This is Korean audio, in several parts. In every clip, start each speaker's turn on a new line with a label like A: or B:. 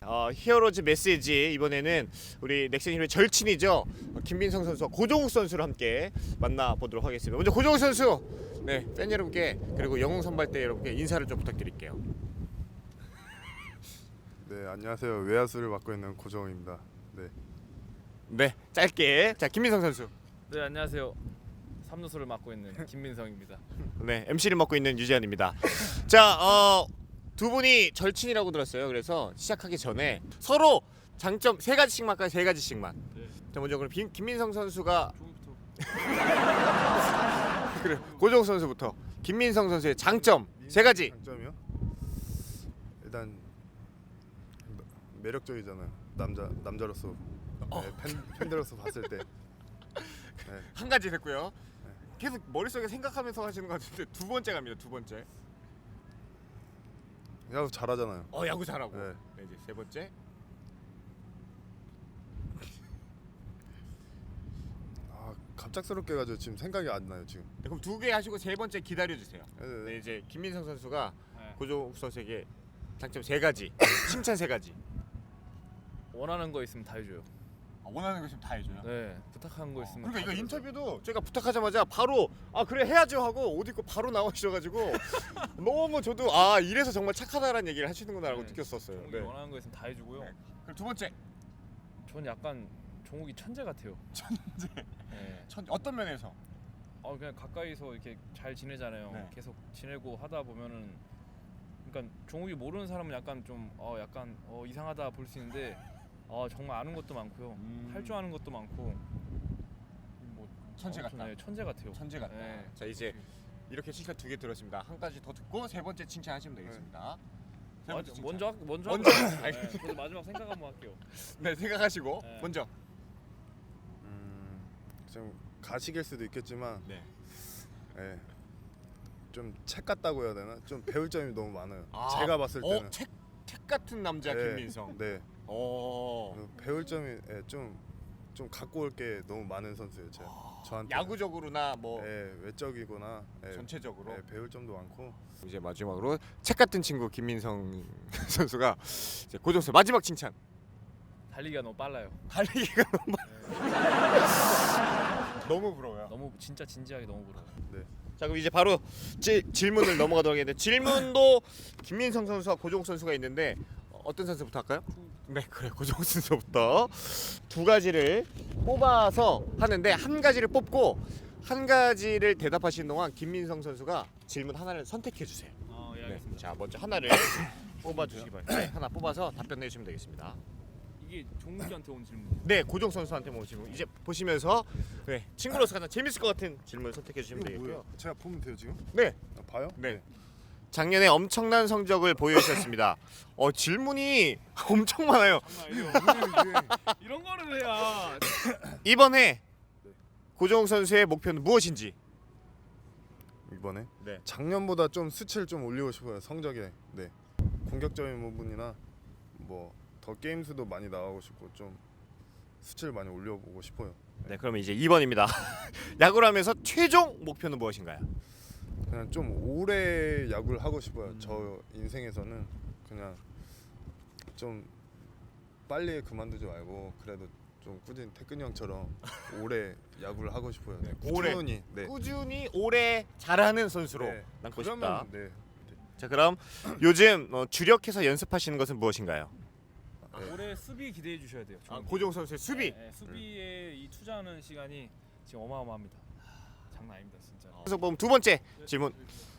A: 히어로즈 메시지 이번에는 우리 넥센 히어로의 절친이죠. 김민성 선수와 고종욱 선수를 함께 만나보도록 하겠습니다. 먼저 고종욱 선수, 네, 팬 여러분께 그리고 영웅 선발대 여러분께 인사를 좀 부탁드릴게요.
B: 네, 안녕하세요. 외야수를 맡고 있는 고정입니다. 네.
A: 네, 짧게. 자, 김민성 선수.
C: 네, 안녕하세요. 삼루수를 맡고 있는 김민성입니다.
A: 네, MC를 맡고 있는 유재현입니다. 자, 두 분이 절친이라고 들었어요. 그래서 시작하기 전에 서로 장점 세 가지씩만 할까요? 세 가지씩만.
C: 네.
A: 자, 먼저 그럼 김민성 선수가
C: 조금부터.
A: 그래, 고종욱 선수부터. 김민성 선수의 장점 세 가지.
B: 장점이요? 일단 매력적이잖아요. 남자로서 팬들로서 봤을 때. 네.
A: 한 가지 됐고요. 계속 머릿속에 생각하면서 하시는 것 같은데 두 번째 갑니다. 두 번째.
B: 야구 잘하잖아요.
A: 야구 잘하고.
B: 네.
A: 네, 이제 세 번째.
B: 아, 갑작스럽게 가지고 지금 생각이 안 나요 지금.
A: 네, 그럼 두 개 하시고 세 번째 기다려 주세요.
B: 네,
A: 네, 이제 김민성 선수가
C: 네.
A: 고종욱 선수에게 장점 세 가지, 칭찬 세 가지.
C: 원하는 거 있으면 다 해줘요.
A: 원하는 거 있으면 다 해줘요.
C: 네, 부탁한 거 있으면.
A: 그러니까
C: 다
A: 이거
C: 들어줘요.
A: 인터뷰도 제가 부탁하자마자 바로 그래 해야죠 하고 옷 입고 바로 나오셔가지고 너무 저도 이래서 정말 착하다라는 얘기를 하시는구나라고
C: 네,
A: 느꼈었어요.
C: 종욱이
A: 네.
C: 원하는 거 있으면 다 해주고요.
A: 네. 그럼 두 번째.
C: 전 약간 종욱이 천재 같아요.
A: 천재.
C: 네.
A: 어떤 면에서?
C: 그냥 가까이서 이렇게 잘 지내잖아요.
A: 네.
C: 계속 지내고 하다 보면은, 그러니까 종욱이 모르는 사람은 약간 좀 이상하다 볼 수 있는데, 정말 아는 것도 많고요. 할 줄 아는 것도 많고. 뭐
A: 천재 같다.
C: 네, 천재 같아요.
A: 천재 같다.
C: 네.
A: 자, 이제 이렇게 칭찬 두 개 들었습니다. 한 가지 더 듣고 세 번째 칭찬하시면 되겠습니다. 세 번째 칭찬.
C: 먼저
A: 먼저.
C: 네, 저도 마지막 생각 한번 할게요.
A: 네, 생각하시고
C: 네.
A: 먼저.
B: 좀 가식일 수도 있겠지만,
A: 네.
B: 예. 좀 책 같다고 해야 되나? 좀 배울 점이 너무 많아요. 제가 봤을 때는.
A: 책 같은 남자
B: 네,
A: 김민성.
B: 네. 배울 점이 좀 갖고 올 게 너무 많은 선수예요. 저한테.
A: 야구적으로나 뭐
B: 외적이거나
A: 전체적으로.
B: 배울 점도 많고.
A: 이제 마지막으로 책 같은 친구 김민성 선수가 이제 고종 선 마지막 칭찬.
C: 달리기가 너무 빨라요.
A: 달리기가 너무 부러워요.
C: 너무 진짜 진지하게 너무 부러워요.
A: 자, 그럼 이제 바로 질문을 넘어가도록 하겠는데 질문도 김민성 선수와 고종 선수가 있는데 어떤 선수부터 할까요? 네, 그래, 고종 선수부터 두 가지를 뽑아서 하는데 한 가지를 뽑고 한 가지를 대답하시는 동안 김민성 선수가 질문 하나를 선택해 주세요.
C: 예,
A: 네,
C: 알겠습니다.
A: 자, 먼저 하나를 뽑아 주시기 바랍니다. 네, 하나 뽑아서 답변 내주시면 되겠습니다.
C: 이게 종욱이한테 온 질문.
A: 네, 고종 선수한테 뭐 질문 이제 보시면서 친구로서 가장 재밌을 것 같은 질문 선택해 주시면
B: 이거
A: 되겠고요.
B: 뭐예요? 제가 보면 돼요 지금?
A: 네,
B: 봐요?
A: 네. 작년에 엄청난 성적을 보여주셨습니다. 질문이 엄청 많아요.
C: 이런 거를 해야.
A: 이번에 고종욱 선수의 목표는 무엇인지.
B: 이번에
A: 네.
B: 작년보다 좀 수치를 좀 올리고 싶어요. 성적에. 네. 공격적인 부분이나 뭐 더 게임 수도 많이 나가고 싶고 좀 수치를 많이 올려보고 싶어요.
A: 네, 그러면 이제 2번입니다. 야구를 하면서 최종 목표는 무엇인가요?
B: 그냥 좀 오래 야구를 하고 싶어요. 저 인생에서는 그냥 좀 빨리 그만두지 말고 그래도 좀 꾸준히 태근이 형처럼 오래 야구를 하고 싶어요.
A: 네, 오래.
B: 꾸준히. 네.
A: 꾸준히 오래 잘하는 선수로
B: 네.
A: 남고 싶다.
B: 그러면 네.
A: 자, 그럼 요즘 주력해서 연습하시는 것은 무엇인가요?
C: 올해 수비 기대해 주셔야 돼요. 종욱이.
A: 고종욱 선수의 수비.
C: 네, 수비에 이 투자하는 시간이 지금 어마어마합니다. 장난 아닙니다, 진짜.
A: 그래서 보면 두 번째 질문.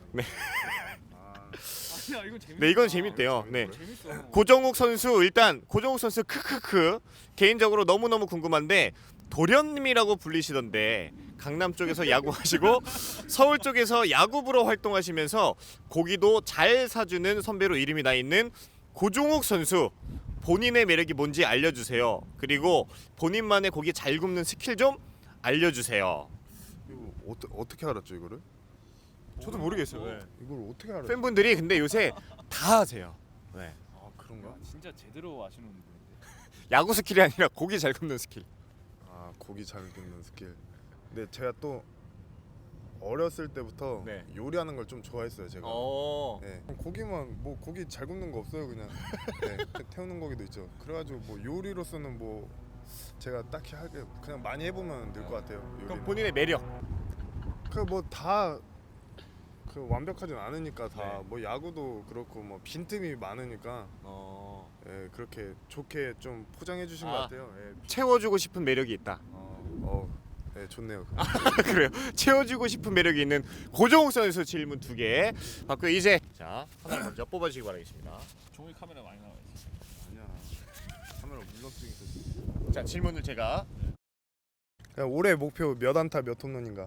C: 아니야, 이건 재밌어.
A: 네, 이건 재밌대요. 네.
C: 재밌어.
A: 고종욱 선수 일단 고종욱 선수 크크크 개인적으로 너무너무 궁금한데 도련님이라고 불리시던데 강남 쪽에서 야구하시고 서울 쪽에서 야구부로 활동하시면서 고기도 잘 사주는 선배로 이름이 나 있는 고종욱 선수 본인의 매력이 뭔지 알려주세요. 그리고 본인만의 고기 잘 굽는 스킬 좀 알려주세요.
B: 이거 어떻게 알았죠 이거를?
A: 저도 모르겠어요. 네.
B: 이걸 어떻게 알았죠?
A: 팬분들이 근데 요새 다 하세요. 네.
B: 아 그런가?
C: 진짜 제대로 아시는 분인데.
A: 야구 스킬이 아니라 고기 잘 굽는 스킬.
B: 아 고기 잘 굽는 스킬. 근데 제가 또 어렸을 때부터
A: 네.
B: 요리하는 걸 좀 좋아했어요 제가. 네. 고기만 뭐 고기 잘 굽는 거 없어요 그냥. 네. 태우는 고기도 있죠. 그래가지고 뭐 요리로서는 뭐 제가 딱히 할 게 그냥 많이 해보면 될 것 같아요.
A: 그럼
B: 요리는.
A: 본인의 매력.
B: 그 뭐 다 그 완벽하진 않으니까 다
A: 네.
B: 뭐 야구도 그렇고 뭐 빈틈이 많으니까 예, 그렇게 좋게 좀 포장해 주신 것
A: 아.
B: 같아요. 예.
A: 채워주고 싶은 매력이 있다.
B: 네, 좋네요.
A: 그래요. 채워주고 싶은 매력이 있는 고종욱 선수 질문 2개 받고 이제 자 하나를 먼저 뽑아주시기 바라겠습니다.
C: 종욱이 카메라 많이 나와 있어.
B: 아니야. 카메라 물렁증
A: 자 질문을 제가
B: 있어. 올해 목표 몇 안타 몇 홈런인가?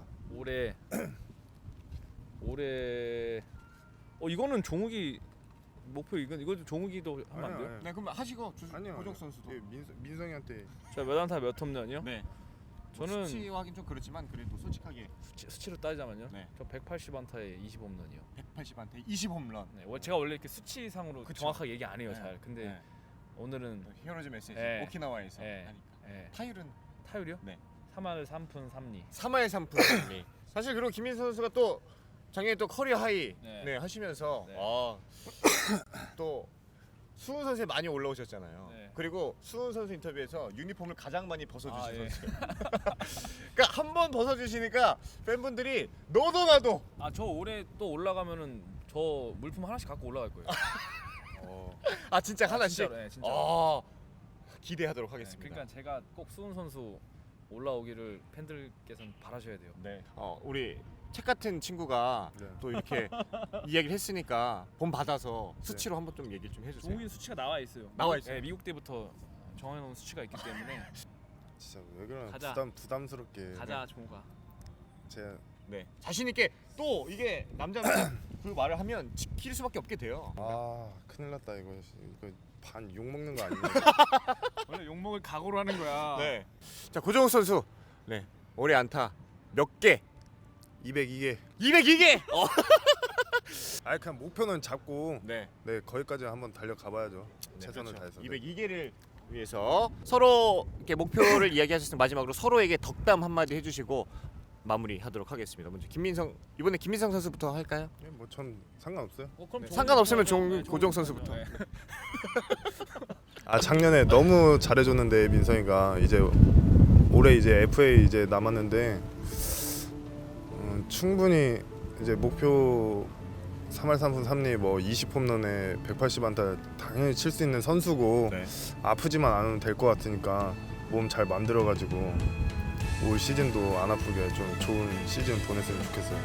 C: 올해 이거는 종욱이 목표 이것도 종욱이도 하면 안 돼요?
A: 네 그럼 하시고
B: 아니요.
A: 고종욱 선수도.
B: 예, 민성이한테
C: 자, 몇 안타 몇 홈런이요?
A: 네.
C: 저는
A: 수치 확인 좀 그렇지만 그래도 솔직하게
C: 수치로 따지자면요.
A: 네.
C: 저 180안타에 20홈런이요.
A: 180한테 20홈런.
C: 네, 제가 원래 이렇게 수치상으로
A: 그쵸.
C: 정확하게 얘기 안 해요,
A: 네.
C: 잘. 근데
A: 네.
C: 오늘은
A: 히어로즈 메시지
C: 네.
A: 오키나와에서
C: 네.
A: 하니까.
C: 예,
A: 타율은
C: 타율이요?
A: 네.
C: 3할 3푼 3리.
A: 3할 3푼 승리. 사실 그리고 김민수 선수가 또 작년에 또 커리어 하이
C: 네.
A: 하시면서
C: 네.
A: 또 수훈 선수에 많이 올라오셨잖아요.
C: 네.
A: 그리고 수훈 선수 인터뷰에서 유니폼을 가장 많이 벗어주신
C: 아, 예.
A: 선수. 그러니까 한 번 벗어주시니까 팬분들이 너도 나도.
C: 아, 저 올해 또 올라가면은 저 물품 하나씩 갖고 올라갈 거예요.
A: 아 진짜 하나씩.
C: 진짜로, 네, 진짜로.
A: 아 기대하도록
C: 네,
A: 하겠습니다.
C: 그러니까 제가 꼭 수훈 선수 올라오기를 팬들께서는 바라셔야 돼요.
A: 네. 우리 책 같은 친구가
B: 네.
A: 또 이렇게 이야기를 했으니까 본 받아서 수치로 한번 좀 얘기 좀 해주세요.
C: 종욱이 수치가 나와 있어요.
A: 나와 있어요?
C: 네, 미국 때부터 정해놓은 수치가 있기 때문에
B: 진짜 왜 그러나
C: 가자.
B: 부담스럽게
C: 가자 종욱아.
B: 제가
A: 네. 자신 있게 또 이게 남자는 그 말을 하면 지킬 수밖에 없게 돼요.
B: 큰일 났다 이거 반 욕 먹는 거 아니에요?
C: 원래 욕 먹을 각오로 하는 거야.
A: 네. 자 고정욱 선수. 네. 올해 안타 몇 개?
B: 202개.
A: 202개.
B: 그냥 목표는 잡고
A: 네.
B: 네 거기까지 한번 달려가 봐야죠. 최선을
A: 그렇죠.
B: 다해서. 네.
A: 202개를 위해서 서로 이렇게 목표를 이야기하셨으면 마지막으로 서로에게 덕담 한마디 해주시고 마무리하도록 하겠습니다. 먼저 이번에 김민성 선수부터 할까요?
B: 네, 뭐전 상관없어요.
C: 그럼
A: 네.
C: 종욱이
A: 상관없으면
C: 네,
A: 고정 선수부터.
C: 네.
B: 작년에 너무 잘해줬는데 민성이가 이제 올해 이제 FA 이제 남았는데 충분히 이제 목표 3할 3푼 3리 뭐 20홈런에 180안타 당연히 칠 수 있는 선수고
A: 네.
B: 아프지만 않으면 될 것 같으니까 몸 잘 만들어가지고 올 시즌도 안 아프게 좀 좋은 시즌 보냈으면 좋겠어요.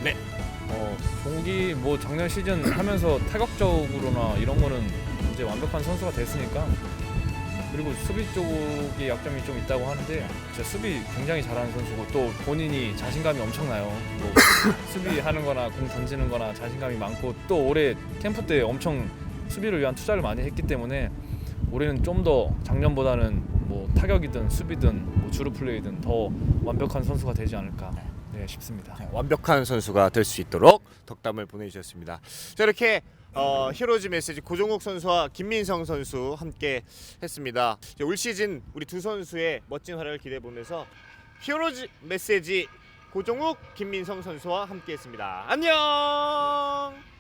C: 종욱이 뭐 작년 시즌 하면서 타격적으로나 이런 거는 이제 완벽한 선수가 됐으니까. 그리고 수비 쪽에 약점이 좀 있다고 하는데 진짜 수비 굉장히 잘하는 선수고 또 본인이 자신감이 엄청나요. 뭐 수비하는 거나 공 던지는 거나 자신감이 많고 또 올해 캠프 때 엄청 수비를 위한 투자를 많이 했기 때문에 올해는 좀 더 작년보다는 뭐 타격이든 수비든 뭐 주루 플레이든 더 완벽한 선수가 되지 않을까 싶습니다.
A: 완벽한 선수가 될 수 있도록 덕담을 보내주셨습니다. 자 이렇게 히어로즈 메시지 고종욱 선수와 김민성 선수 함께 했습니다. 이제 올 시즌 우리 두 선수의 멋진 활약을 기대해 보면서 히어로즈 메시지 고종욱 김민성 선수와 함께 했습니다. 안녕.